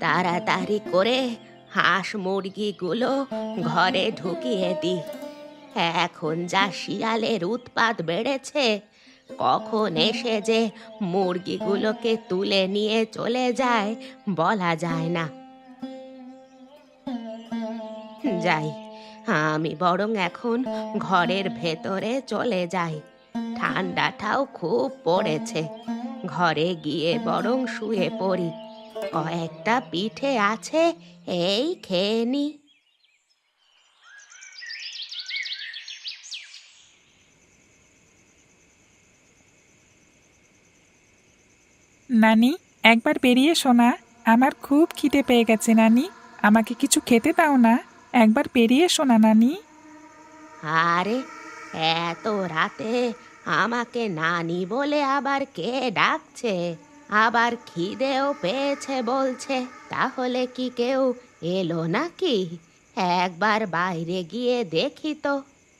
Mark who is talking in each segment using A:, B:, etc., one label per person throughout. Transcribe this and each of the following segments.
A: তাড়াতাড়ি করে হাঁস মুরগিগুলো ঘরে ঢুকিয়ে দি। এখন যা শিয়ালের উৎপাত বেড়েছে, কখন এসে যে মুরগিগুলোকে তুলে নিয়ে চলে যায় বলা যায় না। যাই, আমি বরং এখন ঘরের ভেতরে চলে যাই। ঠান্ডাটাও খুব পড়েছে, ঘরে গিয়ে বরং শুয়ে পড়ি। কয়েকটা পিঠে আছে, এই খেয়ে নি।
B: নানি, একবার বেরিয়ে এসো না। আমার খুব খিদে পেয়ে গেছে নানি। আমাকে কিছু খেতে দাও না। একবার বেরিয়ে এসো না নানি।
A: আরে, এত রাতে আমাকে নানি বলে আবার কে ডাকছে? আবার খিদেও পেয়েছে বলছে। তাহলে কি কেউ এলো নাকি? একবার বাইরে গিয়ে দেখি তো।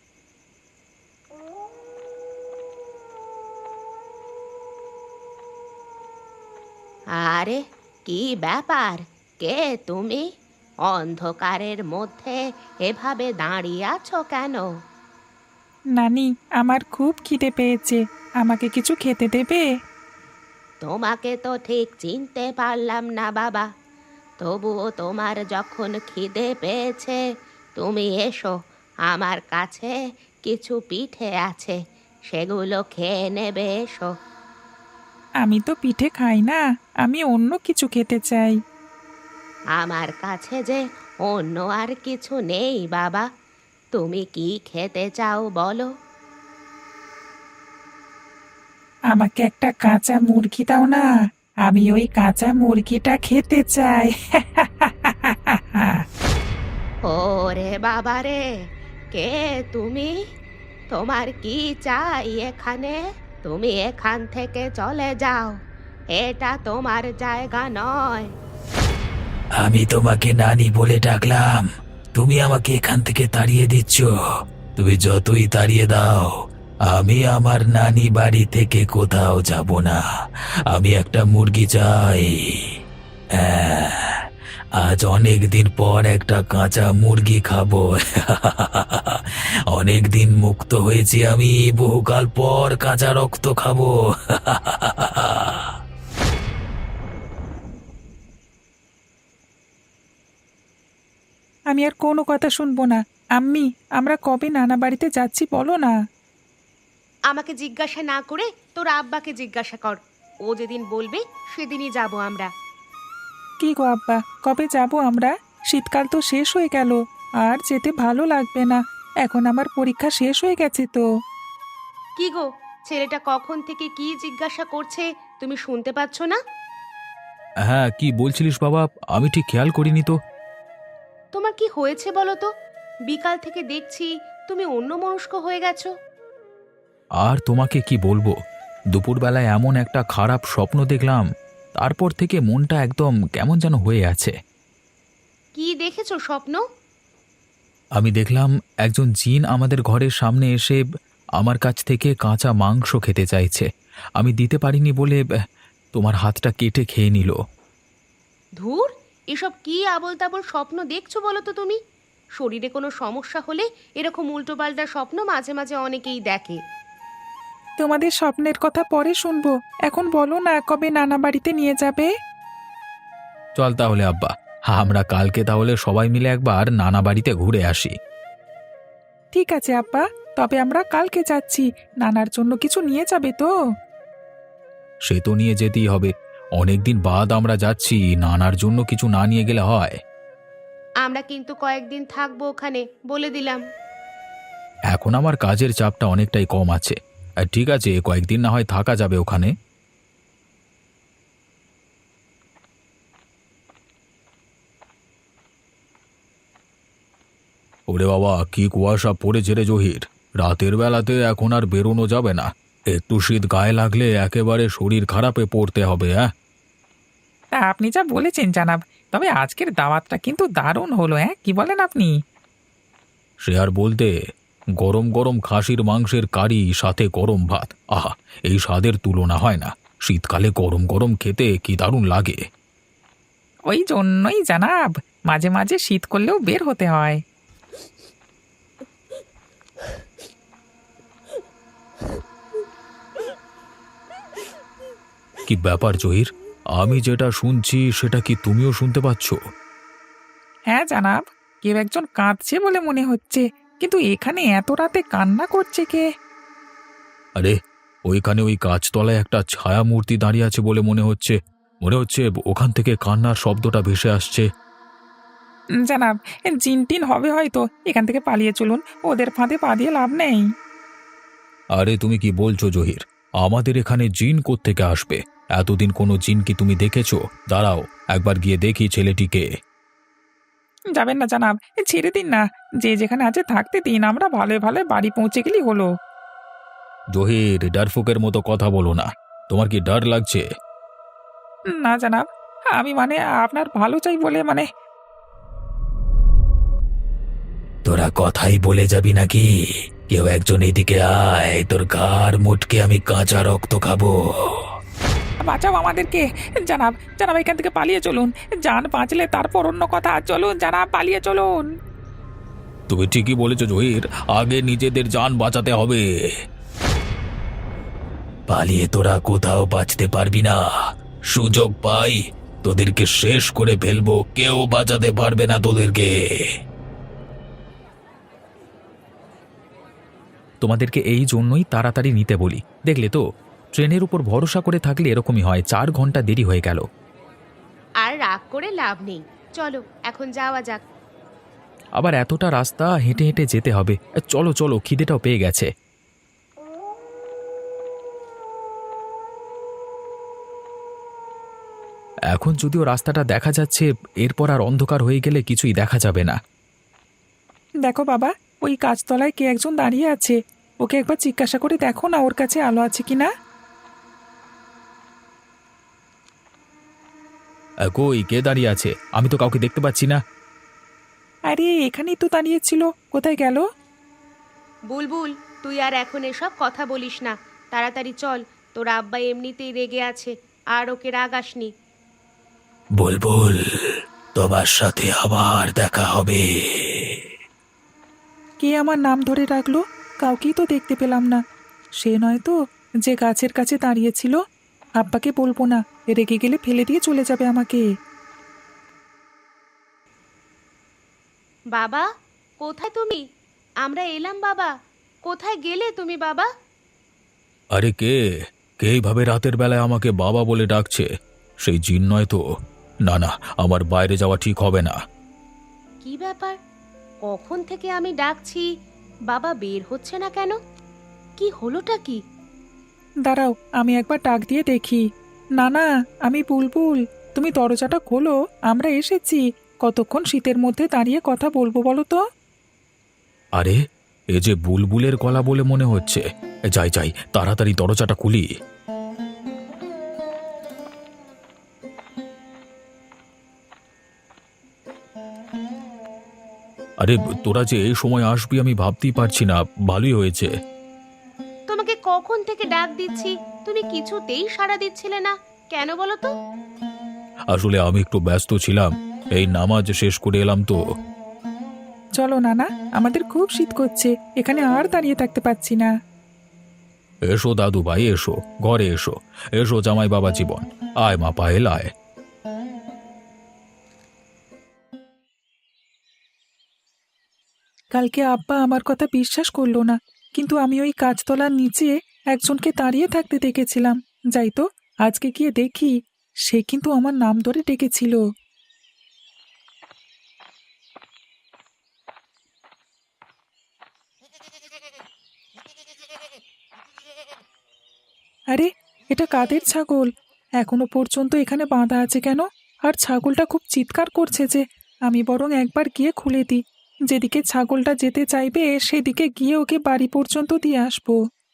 A: আরে, কি ব্যাপার? কে তুমি? অন্ধকারের মধ্যে এভাবে দাঁড়িয়ে আছো কেন?
B: নানি, আমার খুব খিদে পেয়েছে। আমাকে কিছু খেতে দেবে?
A: তোমাকে তো ঠিক চিনতে পারলাম না বাবা। তবুও তোমার যখন খিদে পেয়েছে, তুমি এসো। আমার কাছে কিছু পিঠে আছে, সেগুলো খেয়ে নেবে, এসো।
B: আমি তো পিঠে খাই না। আমি অন্য কিছু খেতে চাই।
A: আমার কাছে যে অন্য আর কিছু নেই বাবা। তুমি কি খেতে চাও বলো?
B: আমাকে একটা কাঁচা মুরগি দাও না। আমি ওই কাঁচা মুরগিটা খেতে চাই।
A: ওরে বাবা রে, কে তুমি? তোমার কি চাই এখানে? তুমি এখান থেকে চলে যাও, এটা তোমার জায়গা নয়।
C: আমি তোমাকে নানি বলে ডাকলাম, তুমি আমাকে এখান থেকে তাড়িয়ে দিচ্ছ। তুমি যতই তাড়িয়ে দাও, আমি আমার নানি বাড়ি থেকে কোথাও যাব না। আমি একটা মুরগি চাই। হ্যাঁ, আজ অনেক দিন পর একটা কাঁচা মুরগি খাবো। অনেক দিন মুক্ত হয়েছি আমি, বহুকাল পর কাঁচা রক্ত খাবো।
B: আমি আর কোনো কথা শুনবো না। আম্মি, আমরা কবে নানা বাড়িতে যাচ্ছি বলো না।
A: আমাকে জিজ্ঞাসা না করে তোর আব্বাকে জিজ্ঞাসা কর। ও যেদিন বলবে সেদিনই যাব আমরা।
B: কি গো আব্বা, কবে যাব আমরা? শীতকাল তো শেষ হয়ে গেল। আর যেতে ভালো লাগবে না। এখন আমার পরীক্ষা শেষ হয়ে গেছে তো।
A: কি গো, ছেলেটা কখন থেকে কি জিজ্ঞাসা করছে, তুমি শুনতে পাচ্ছ না?
C: হ্যাঁ, কি বলছিলিস বাবা? আমি ঠিক খেয়াল করিনি তো।
A: তোমার কি হয়েছে বলো তো? বিকাল থেকে দেখছি তুমি অন্যমনস্ক হয়ে গেছো।
C: আর তোমাকে কি বলবো, দুপুরবেলায় এমন একটা খারাপ স্বপ্ন দেখলাম, তারপর থেকে মনটা একদম কেমন যেন হয়ে আছে।
A: কি দেখেছো স্বপ্ন?
C: আমি দেখলাম একজন জিন আমাদের ঘরের সামনে এসে আমার কাছ থেকে কাঁচা মাংস খেতে চাইছে। আমি দিতে পারিনি বলে তোমার হাতটা কেটে খেয়ে নিল।
A: ধুর, এসব কি আবোল তাবোল স্বপ্ন দেখছো বলো তো তুমি? শরীরে কোনো সমস্যা হলে এরকম উল্টোপাল্টা স্বপ্ন মাঝে মাঝে অনেকেই দেখে।
B: তোমাদের স্বপ্নের কথা পরে শুনবো। এখন বলো না, কবে নানা বাড়িতে নিয়ে যাবে?
C: চল তাহলে আব্বা, আমরা কালকে তাহলে সবাই মিলে একবার নানা বাড়িতে ঘুরে আসি।
B: ঠিক আছে আব্বা, তবে আমরা কালকে যাচ্ছি। নানার জন্য কিছু নিয়ে যাবে তো?
C: সে তো নিয়ে যেতেই হবে, অনেকদিন বাদ আমরা যাচ্ছি, নানার জন্য কিছু না নিয়ে গেলে হয়?
A: আমরা কিন্তু কয়েকদিন থাকবো ওখানে, বলে দিলাম।
C: এখন আমার কাজের চাপটা অনেকটাই কম আছে। ঠিক আছে, কয়েকদিন না হয় থাকা যাবে ওখানে। ওরে বাবা, কি কুয়াশা পড়েছে রে জহির! রাতের বেলাতে এখন আর বেরোনো যাবে না। একটু শীত গায়ে লাগলে একেবারে শরীর খারাপে পড়তে হবে। হ্যাঁ,
B: তা আপনি যা বলেছেন জানাব। তবে আজকের দাওয়াতটা কিন্তু দারুণ হলো, হ্যাঁ, কি বলেন আপনি?
C: সে আর বলতে, গরম গরম খাসির মাংসের কারি, সাথে গরম ভাত, আহা! এই স্বাদের তুলনা হয় না। শীতকালে গরম গরম খেতে কি দারুণ লাগে।
B: ওই জন্যই জানাব, মাঝে মাঝে শীত করলেও বের হতে হয়।
C: কি ব্যাপার জহির? আমি যেটা শুনছি সেটা কি তুমিও শুনতে পাচ্ছ?
B: হ্যাঁ জানাব, কেউ একজন কাঁদছে বলে মনে হচ্ছে, কিন্তু এখানে এত রাতে কান্না করছে কে?
C: আরে, ওইখানে ওই গাছতলায় একটা ছায়া মূর্তি দাঁড়িয়ে আছে বলে মনে হচ্ছে ওখান থেকে কান্নার শব্দটা ভেসে আসছে।
B: জানাব, জিন টিন হবে হয়তো, এখান থেকে পালিয়ে চলুন, ওদের ফাঁদে পা দিয়ে লাভ নেই।
C: আরে তুমি কি বলছো জহির? আমাদের এখানে জিন কোত্থেকে আসবে? এতদিন কোনো জিন কি তুমি দেখেছো? দাঁড়াও, একবার গিয়ে দেখি ছেলেটিকে।
B: যাবেন না জানাব, ছেড়ে দিন না, যে যেখানে আছে থাকতে দিন, আমরা ভালো ভালো বাড়ি পৌঁছে গেলেই হলো।
C: জহির, ডারফুকের মতো কথা বলো না। তোমার কি ডর লাগছে?
B: না জানাব, আমি আপনার ভালো চাই বলে
C: তোরা কথাই বলে যাবি নাকি? কেউ একজন এদিকে আয়, তোর ঘাড় মুটকে আমি কাঁচা রক্ত খাবো।
B: বাঁচাও আমাদেরকে। জানাব, জানাব এখান থেকে পালিয়ে চলুন, জান বাঁচলে তারপর অন্য কথা, চলুন জানাব, পালিয়ে চলুন।
C: তুমি ঠিকই বলেছো জহির, আগে নিজেদের জান বাঁচাতে হবে। পালিয়ে তোরা কোথাও বাঁচতে পারবি না। সুযোগ পাই তোদেরকে শেষ করে ফেলবো, কেউ বাঁচাতে পারবে না তোদেরকে।
D: তোমাদেরকে এই জন্যই তাড়াতাড়ি নিতে বলি, দেখলে তো ট্রেনের উপর ভরসা করে থাকলে এরকমই হয়, 4 ঘন্টা দেরি হয়ে গেল।
A: আর রাগ করে লাভ নেই, চলো এখন যাওয়া যাক।
D: আবার এতটা রাস্তা হেঁটে হেঁটে যেতে হবে। চলো চলো, খিদেটাও পেয়ে গেছে। এখন যদিও রাস্তাটা দেখা যাচ্ছে, এরপর আর অন্ধকার হয়ে গেলে কিছুই দেখা যাবে না।
B: দেখো বাবা, ওই গাছতলায় কে একজন দাঁড়িয়ে আছে, ওকে একবার জিজ্ঞাসা করে দেখো না ওর কাছে আলো আছে কিনা।
D: কই, কে দাঁড়িয়ে আছে? আমি তো কাউকে দেখতে পাচ্ছি না।
B: আরে এখানেই তো দাঁড়িয়েছিল, কোথায় গেল?
A: বুলবুল, তুই আর এখন এসব কথা বলিস না, তাড়াতাড়ি চল, তোর আব্বা এমনিতেই রেগে আছে, আর ওকে রাগাসনি।
C: বুলবুল, তোমার সাথে আবার দেখা হবে।
B: কে আমার নাম ধরে রাখলো? কাউকেই তো দেখতে পেলাম না। সে নয় তো, যে গাছের কাছে দাঁড়িয়েছিল? আব্বাকে বলবো না, রেগে গেলে ফেলে দিয়ে চলে যাবে আমাকে।
A: বাবা, কোথায় তুমি? আমরা এলাম বাবা, কোথায় গেলে তুমি বাবা?
C: আরে কে কে এইভাবে রাতের বেলায় আমাকে বাবা বলে ডাকছে? সেই জিন নয় তো? না না, আমার বাইরে যাওয়া ঠিক হবে না।
A: কি ব্যাপার, কখন থেকে আমি ডাকছি, বাবা বের হচ্ছে না কেন? কি হলোটা কি?
B: দাঁড়াও, আমি একবার ডাক দিয়ে দেখি। না না, আমি বুলবুল, তুমি দরজাটা খোলো, আমরা এসেছি। কতক্ষণ শীতের মধ্যে দাঁড়িয়ে কথা বলবো বলো তো?
C: আরে, এ যে বুলবুলের গলা বলে মনে হচ্ছে। যাই যাই, তাড়াতাড়ি দরজাটা খুলি। আরে, তোরা যে এই সময় আসবি আমি ভাবতেই পারছি না। ভালোই হয়েছে।
A: তোমাকে কখন থেকে ডাক দিচ্ছি, তুমি কিছুতেই সাড়া দিচ্ছিলে না, কেন বলো তো?
C: আসলে আমি একটু ব্যস্ত ছিলাম, এই নামাজ শেষ করে এলাম তো।
B: চলো নানা, আমাদের খুব শীত করছে, এখানে আর দাঁড়িয়ে থাকতে পারছি না।
C: এসো দাদু ভাই, এসো ঘরে এসো। এসো জামাই বাবা জীবন, আয় মা পায়েল আয়।
B: কালকে আব্বা আমার কথা বিশ্বাস করলো না, কিন্তু আমি ওই গাছতলার নিচে একজনকে দাঁড়িয়ে থাকতে দেখেছিলাম। যাই তো, আজকে গিয়ে দেখি, সে কিন্তু আমার নাম ধরে ডেকেছিল। আরে, এটা কাদের ছাগল? এখনো পর্যন্ত এখানে বাঁধা আছে কেন? আর ছাগলটা খুব চিৎকার করছে যে, আমি বরং একবার গিয়ে খুলে দিই। যেদিকে ছাগলটা যেতে চাইবে সেদিকে গিয়ে ওকে বাড়ি পর্যন্ত দিয়ে আসবো।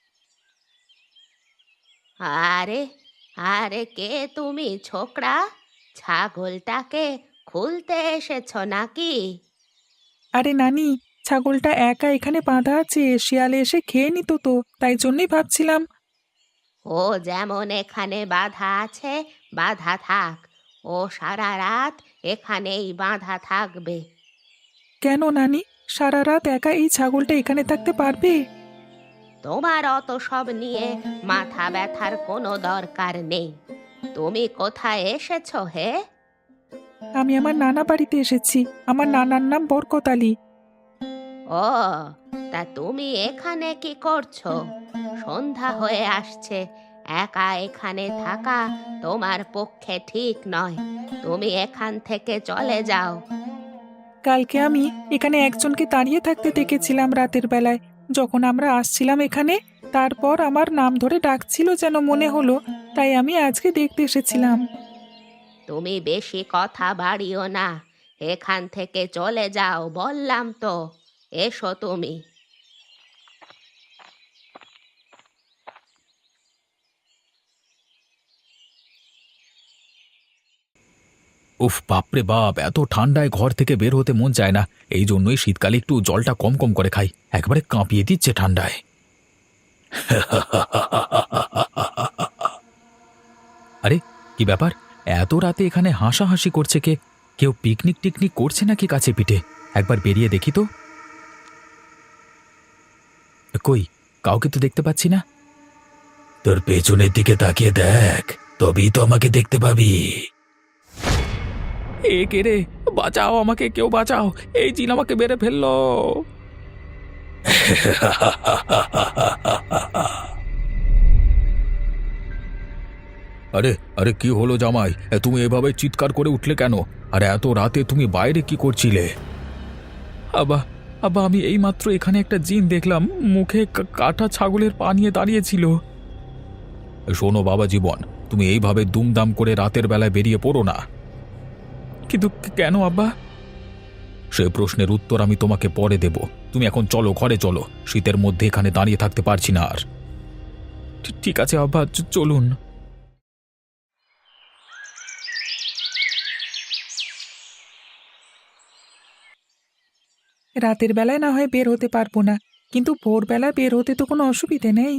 A: আরে, আরে কে তুমি ছোকরা? ছাগলটাকে খুলতে এসেছো নাকি?
B: আরে নানি, ছাগলটা একা এখানে বাঁধা আছে, শিয়ালে এসে খেয়ে নিত তো, তাই জন্যই ভাবছিলাম।
A: ও যেমন এখানে বাধা আছে, বাধা থাক, ও সারা রাত এখানেই বাঁধা থাকবে।
B: কেন নানি, সারা রাত একা এই ছাগলটা এখানে থাকতে পারবে?
A: তোমার অত সব নিয়ে মাথা ব্যথার কোনো দরকার নেই। তুমি কোথায় এসেছো হে?
B: আমি আমার নানা বাড়িতে এসেছি। আমার নানার নাম বরকত আলী।
A: ও, তা তুমি এখানে কি করছো? সন্ধ্যা হয়ে আসছে, একা এখানে থাকা তোমার পক্ষে ঠিক নয়। তুমি এখান থেকে চলে যাও।
B: কালকে আমি এখানে একজনকে দাঁড়িয়ে থাকতে দেখেছিলাম রাতের বেলায়, যখন আমরা আসছিলাম এখানে। তারপর আমার নাম ধরে ডাকছিল যেন মনে হলো, তাই আমি আজকে দেখতে এসেছিলাম।
A: তুমি বেশি কথা বাড়িও না, এখান থেকে চলে যাও বললাম তো। এসো তুমি।
D: উফ, বাপরে বাপ, এত ঠান্ডায় ঘর থেকে বের হতে মন চায় না। এই জন্যই শীতকালে একটু জলটা কম কম করে খাই, একেবারে কাঁপিয়ে দিচ্ছে ঠান্ডায়। আরে, কি ব্যাপার? এত রাতে এখানে হাসাহাসি করছে কে? কেউ পিকনিক টিকনিক করছে নাকি কাছে পিঠে? একবার বেরিয়ে দেখি তো। কই, কাউকে তো দেখতে পাচ্ছি না।
C: তোর পেছনের দিকে তাকিয়ে দেখ, তবেই তো আমাকে দেখতে পাবি।
D: এ কে রে? বাঁচাও আমাকে, কেউ বাঁচাও, এই জিন আমাকে মেরে ফেললো। আরে আরে, কি হলো জামাই? তুমি এভাবে চিৎকার করে উঠলে কেন? আর এত রাতে তুমি বাইরে কি করছিলে? আব্বা, আব্বা, আমি এইমাত্র এখানে একটা জিন দেখলাম, মুখে কাটা ছাগলের পা নিয়ে দাঁড়িয়েছিল। শোনো বাবা জীবন, তুমি এইভাবে দুমদাম করে রাতের বেলায় বেরিয়ে পড়ো না। কিন্তু কেন আব্বা? সে প্রশ্নের উত্তর আমি তোমাকে পরে দেব। তুমি এখন চলো, ঘরে চলো, শীতের মধ্যে এখানে দাঁড়িয়ে থাকতে পারছি না আর। ঠিক আছে আব্বা, চলুন।
B: রাতের বেলায় না হয় বের হতে পারবো না, কিন্তু ভোরবেলায় বের হতে তো কোনো অসুবিধে নেই।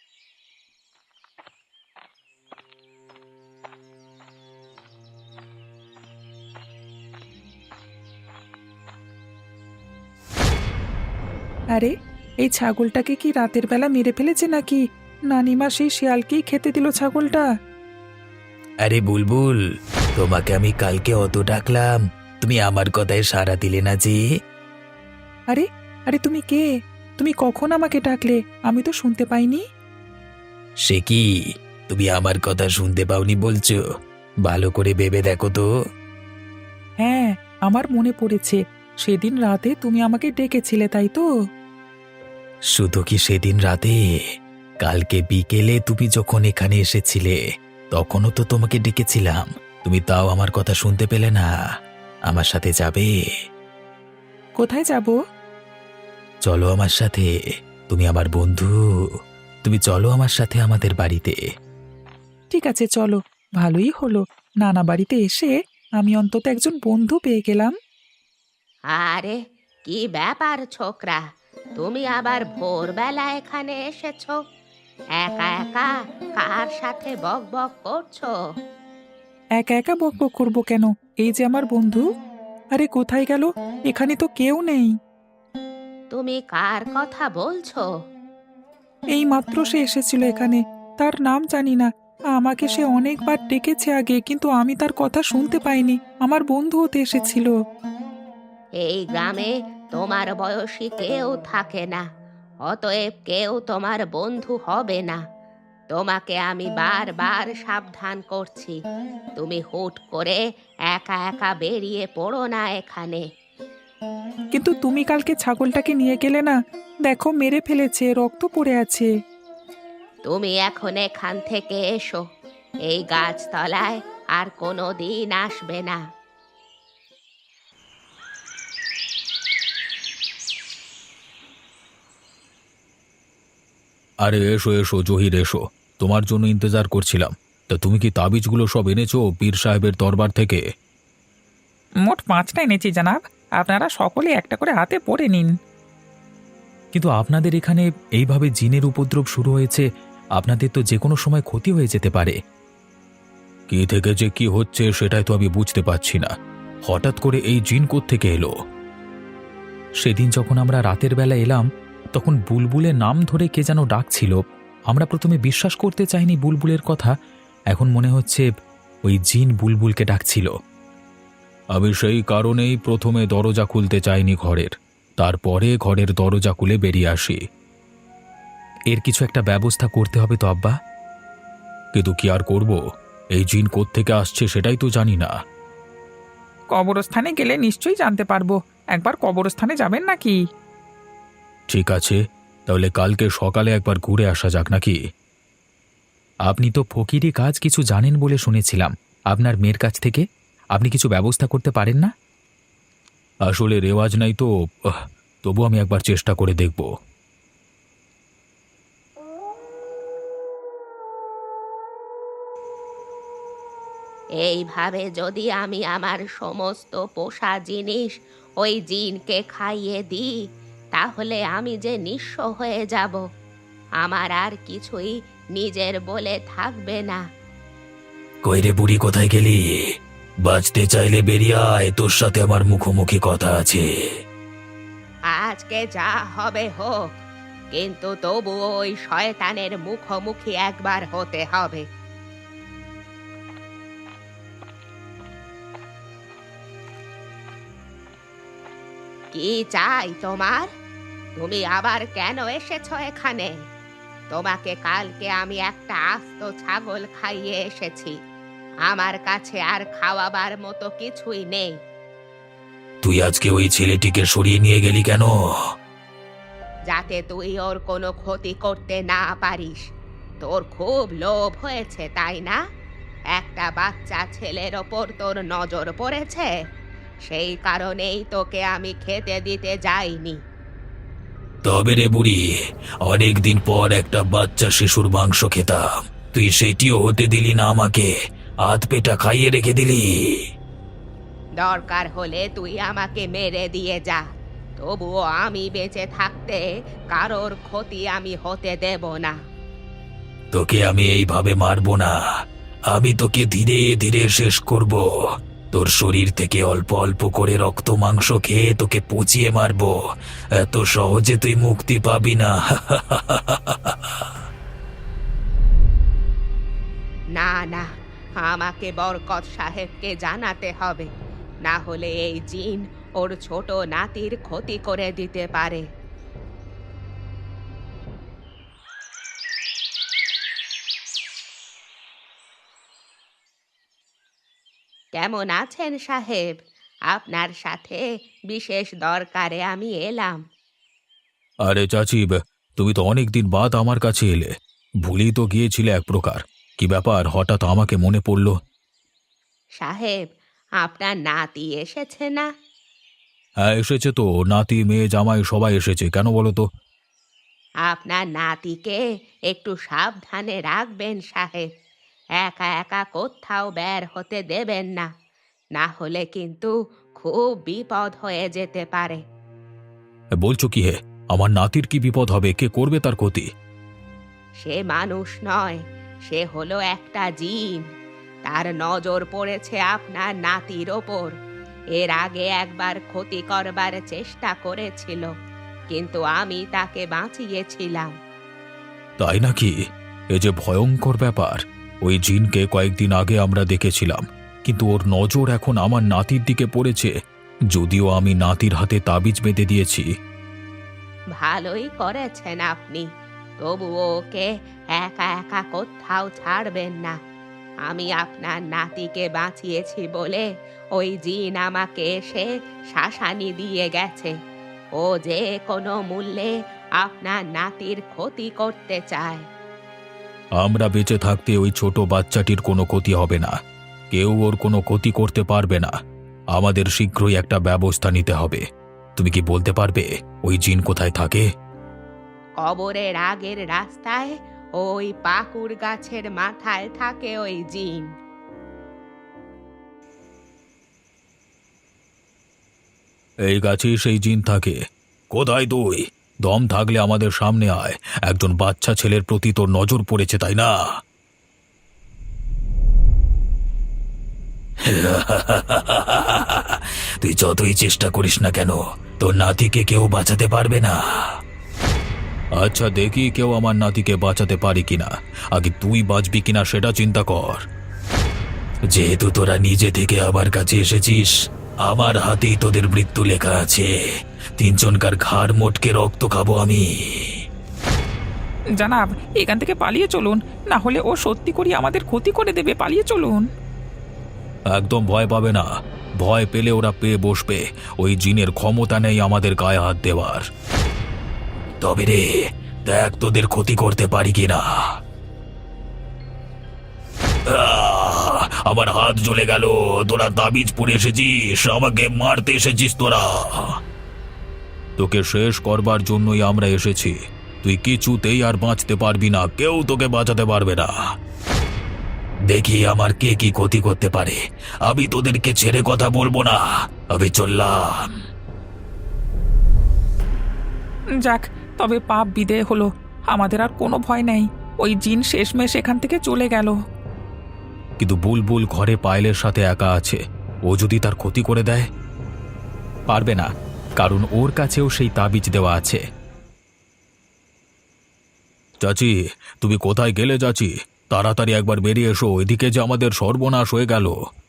B: আরে, এই ছাগলটাকে কি রাতের বেলা মেরে ফেলেছে নাকি? নানিমা সেই শিয়ালকেই খেতে দিল ছাগলটা।
C: আরে বুলবুল, তোমাকে আমি কালকে অত ডাকলাম, তুমি আমার কথায় সাড়া দিলে না যে?
B: আরে আরে, তুমি কে? তুমি কখন আমাকে ডাকলে? আমি তো শুনতে পাইনি।
C: সে কি, তুমি আমার কথা শুনতে পাওনি বলছো? ভালো করে ভেবে দেখো তো।
B: হ্যাঁ, আমার মনে পড়েছে। সেদিন রাতে তুমি আমাকে ডেকেছিলে, তাই তো?
C: শুধু কি সেদিন রাতে, কালকে বিকেলে তুমি যখন এখানে এসেছিলে তখনও তো তোমাকে ডেকেছিলাম, তুমি তাও আমার কথা শুনতে পেলে না। আমার সাথে যাবে?
B: কোথায় যাব?
C: চলো আমার সাথে, তুমি আমার বন্ধু, তুমি চলো আমার সাথে আমাদের বাড়িতে।
B: ঠিক আছে, চলো। ভালোই হলো, নানা বাড়িতে এসে আমি অন্তত একজন বন্ধু পেয়ে গেলাম।
A: আরে, কি ব্যাপার ছোকরা, তুমি আবার ভোরবেলা এখানে এসেছো? একা একা কার সাথে বক বক করছো?
B: একা একা বকবক করবো কেন? এই যে আমার বন্ধু। আরে কোথায় গেল? এখানে তো কেউ নেই।
A: তুমি কার কথা বলছো?
B: এই মাত্র সে এসেছিল এখানে। তার নাম জানি না। আমাকে সে অনেকবার ডেকেছে আগে, কিন্তু আমি তার কথা শুনতে পাইনি। আমার বন্ধু হতে এসেছিল।
A: এই গ্রামে তোমার বয়সী কেউ থাকে না, অতএব কেউ তোমার বন্ধু হবে না। তোমাকে আমি বারবার সাবধান করছি, তুমি হুট করে একা একা বেরিয়ে পড়ো না এখানে।
B: কিন্তু তুমি কালকে ছাগলটাকে নিয়ে গেলে না? দেখো, মেরে ফেলেছে, রক্ত পড়ে আছে।
A: তুমি এখন এখান থেকে এসো, এই গাছতলায় আর কোনো দিন আসবে না।
D: আরে এসো এসো জহির, এসো, তোমার জন্য ইন্তজার করছিলাম। তা তুমি কি তাবিজগুলো সব এনেছো পীর সাহেবের দরবার থেকে?
B: মোট 5টা এনেছি জানাব। আপনারা সকলে একটা করে হাতে পড়ে নিন।
D: কিন্তু আপনাদের এখানে এইভাবে জিনের উপদ্রব শুরু হয়েছে, আপনাদের তো যে কোনো সময় ক্ষতি হয়ে যেতে পারে। কি থেকে যে কি হচ্ছে সেটাই তো আমি বুঝতে পারছি না। হঠাৎ করে এই জিন কোত্থেকে এলো?
C: সেদিন যখন আমরা রাতের বেলা এলাম তখন বুলবুলের নাম ধরে কে যেন ডাকছিল। আমরা প্রথমে বিশ্বাস করতে চাইনি বুলবুলের কথা, এখন মনে হচ্ছে ওই জিন বুলবুলকে ডাকছিল।
D: আমি সেই কারণেই প্রথমে দরজা খুলতে চাইনি ঘরের, তারপরে ঘরের দরজা খুলে বেরিয়ে আসি।
C: এর কিছু একটা ব্যবস্থা করতে হবে তো আব্বা।
D: কিন্তু কি আর করব, এই জিন কোত্থেকে আসছে সেটাই তো জানি না।
B: কবরস্থানে গেলে নিশ্চয়ই জানতে পারবো। একবার কবরস্থানে যাবেন নাকি?
D: ঠিক আছে, তাহলে কালকে সকালে একবার ঘুরে আসা যাক নাকি?
C: আপনি তো ফকিরি কাজ কিছু জানেন বলে শুনেছিলাম আপনার মেয়ের কাছ থেকে। আপনি কিছু ব্যবস্থা করতে পারেন না?
D: আসলে রেওয়াজ নাই তো, তবু আমি একবার চেষ্টা করে দেখব।
A: এইভাবে যদি আমি আমার সমস্ত পোষা জিনিস ওই জিনকে খাইয়ে দিই, তাহলে আমি যে নিঃস্ব হয়ে যাব। আমার আর কিছুই নিজের বলে থাকবে না।
C: কইরে বুড়ি, কোথায় গেলি? বাঁচতে চাইলে বেরিয়ে আয়, তোর সাথে আমার মুখোমুখি কথা আছে।
A: আজকে যা হবে হোক, কিন্তু তবু ওই শয়তানের মুখোমুখি একবার হতে হবে। কি চাই তোমার? তুমি আবার কেন এসেছো এখানে? তোমাকে কালকে আমি একটা আস্ত ছাগল খাইয়ে এসেছি। আমার কাছে আর খাওয়াবার মতো কিছুই নেই।
C: তুই আজকে ওই ছেলেটিকে সরিয়ে নিয়ে গেলি কেন?
A: যাতে তুই ওর কোনো ক্ষতি করতে না পারিস। তোর খুব লোভ হয়েছে, তাই না? একটা বাচ্চা ছেলের ওপর তোর নজর পড়েছে, সেই কারণেই তোকে আমি খেতে দিতে যাইনি।
C: তবে রে বুড়ি, অনেকদিন পর একটা বাচ্চা শিশুর মাংস খেতাম, তুই সেটিও হতে দিলি না আমাকে, হাত পেটা খাইয়ে রেখে দিলি।
A: দরকার হলে তুই আমাকে মেরে দিয়ে যা, তবুও আমি বেঁচে থাকতে কারোর ক্ষতি আমি হতে দেব না।
C: তোকে আমি এইভাবে মারবো না, আমি তোকে ধীরে ধীরে শেষ করব। তোর শরীর থেকে অল্প অল্প করে রক্ত মাংস খেয়ে তোকে পচিয়ে মারবো। এত সহজে তুই মুক্তি পাবি না।
A: না না, আমাকে বরকত সাহেবকে জানাতে হবে, না হলে এই জিন ওর ছোট নাতির ক্ষতি করে দিতে পারে। কেমন আছেন সাহেব? আপনার সাথে বিশেষ দরকারে আমি এলাম।
D: আরে চাচি, তুমি তো অনেকদিন বাদ আমার কাছে এলে। ভুলেই তো গিয়েছিলে এক প্রকার। কি ব্যাপার, হঠাৎ আমাকে মনে পড়ল?
A: সাহেব, আপনার নাতি এসেছে না?
D: হ্যাঁ এসেছে তো, নাতি মেয়ে জামাই সবাই এসেছে। কেন বলো তো?
A: আপনার নাতিকে একটু সাবধানে রাখবেন সাহেব। একা একা কোথাও বের হতে দেবেন না, না হলে কিন্তু খুব বিপদ হয়ে যেতে পারে।
D: বলছো কি হে? আমার নাতির কি বিপদ হবে? কে করবে তার ক্ষতি?
A: সে মানুষ নয়, সে হলো একটা জিন। তার নজর পড়েছে আপনার নাতির ওপর। এর আগে একবার ক্ষতি করবার চেষ্টা করেছিল, কিন্তু আমি তাকে বাঁচিয়েছিলাম।
D: তাই নাকি? এ যে ভয়ঙ্কর ব্যাপার। ওই জিনকে কয়েকদিন আগে আমরা দেখেছিলাম, কিন্তু ওর নজর এখন আমার নাতির দিকে পড়েছে, যদিও আমি নাতির হাতে তাবিজ বেঁধে দিয়েছি।
A: ভালোই করেছেন আপনি, তবু ওকে একা একা কোথাও ছাড়বেন না। আমি আপনার নাতিকে বাঁচিয়েছি বলে ওই জিন আমাকে এসে শাসানি দিয়ে গেছে। ও যে কোনো মূল্যে আপনার নাতির ক্ষতি করতে চায়।
D: আমরা বেঁচে থাকতে ওই ছোট বাচ্চাটির কোনো ক্ষতি হবে না, কেউ ওর কোনো ক্ষতি করতে পারবে না। আমাদের শীঘ্রই একটা ব্যবস্থা নিতে হবে। তুমি কি বলতে পারবে ওই জিন কোথায় থাকে?
A: কবরের আগের রাস্তায় ওই পাকুর গাছের মাথায় থাকে ওই জিন।
D: এই গাছেই সেই জিন থাকে। কোথায় তুই? দম থাকলে আমাদের সামনে আয়। একজন বাচ্চা ছেলের প্রতি তোর নজর পড়েছে, তাই না?
C: তুই যতই চেষ্টা করিস না কেন, তোর নাতিকে কেউ বাঁচাতে পারবে না।
D: আচ্ছা দেখি কেউ আমার নাতিকে বাঁচাতে পারে কিনা। আগে তুই বাঁচবি কিনা সেটা চিন্তা কর।
C: যেহেতু তোরা নিজে থেকে আমার কাছে এসেছিস, আমার হাতেই তোদের মৃত্যু লেখা আছে। তিনজনকার ঘাড় মোটকে রক্ত খাবো আমি।
B: জানাব, এখান থেকে পালিয়ে চলুন, না হলে ও সত্যি করে আমাদের ক্ষতি করে দেবে। পালিয়ে চলুন।
D: একদম ভয় পাবে না। ভয় পেলে ওরা পেয়ে বসবে। ওই জিনের ক্ষমতা নেই আমাদের গায়ে হাত দেওয়ার।
C: তবে রে, দেখ তোদের ক্ষতি করতে পারি কিনা। আমার হাত জ্বলে গেল। তোরা তাবিজ পরে এসেছিস, আমাকে মারতে এসেছিস তোরা।
D: তোকে শেষ করবার জন্যই আমরা এসেছি। তুই কিছুতেই আর বাঁচতে পারবি না, কেউ তোকে বাঁচাতে পারবে না।
C: দেখি আমার কে কি ক্ষতি করতে পারে। আমি তোদেরকে ছেড়ে কথা বলবো না। আমি চললাম।
B: যাক, তবে পাপ বিদেয় হলো। আমাদের আর কোনো ভয় নেই। ওই জিন শেষমেশ এখান থেকে চলে গেল।
D: কিন্তু বুলবুল ঘরে পায়েলের সাথে একা আছে। ও যদি তার ক্ষতি করে দেয়? পারবে না, কারণ ওর কাছেও সেই তাবিজ দেওয়া আছে। চাচি, তুমি কোথায় গেলে চাচি? তাড়াতাড়ি একবার বেরিয়ে এসো, এদিকে যে আমাদের সর্বনাশ হয়ে গেল।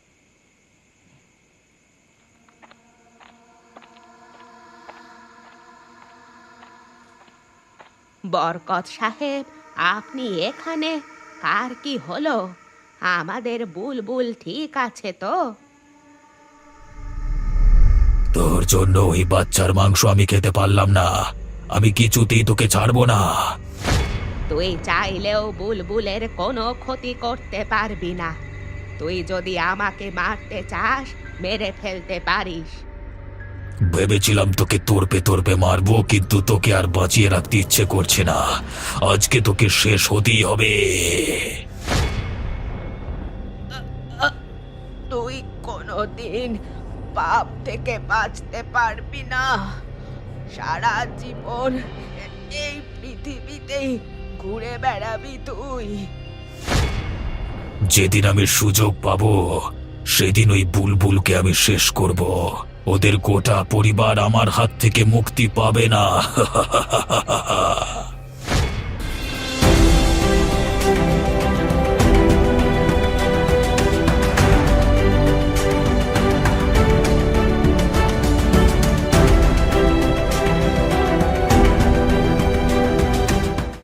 A: বরকত সাহেব, আপনি এখানে? কার কি হলো? আমাদের বুলবুল ঠিক আছে তো?
C: তোর জন্য ওই বাচ্চার মাংস আমি খেতে পারলাম না। আমি কিছুতেই তোকে ছাড়বো না।
A: তুই চাইলেও বুলবুলের কোনো ক্ষতি করতে পারবি না। তুই যদি আমাকে মারতে চাস, মেরে ফেলতে পারিস।
C: ভেবেছিলাম তোকে তোরপে তোরপে মারবো, কিন্তু তোকে আর বাঁচিয়ে রাখতে ইচ্ছে করছে না। আজকে তোকে শেষ হতেই হবে।
A: তুই কোনোদিন পাপ থেকে বাঁচতে পারবি না। সারা জীবন এই পৃথিবীতেই ঘুরে বেড়াবি তুই।
C: যেদিন আমি সুযোগ পাবো, সেদিন ওই বুলবুলকে আমি শেষ করব। ওদের গোটা পরিবার আমার হাত থেকে মুক্তি পাবে না।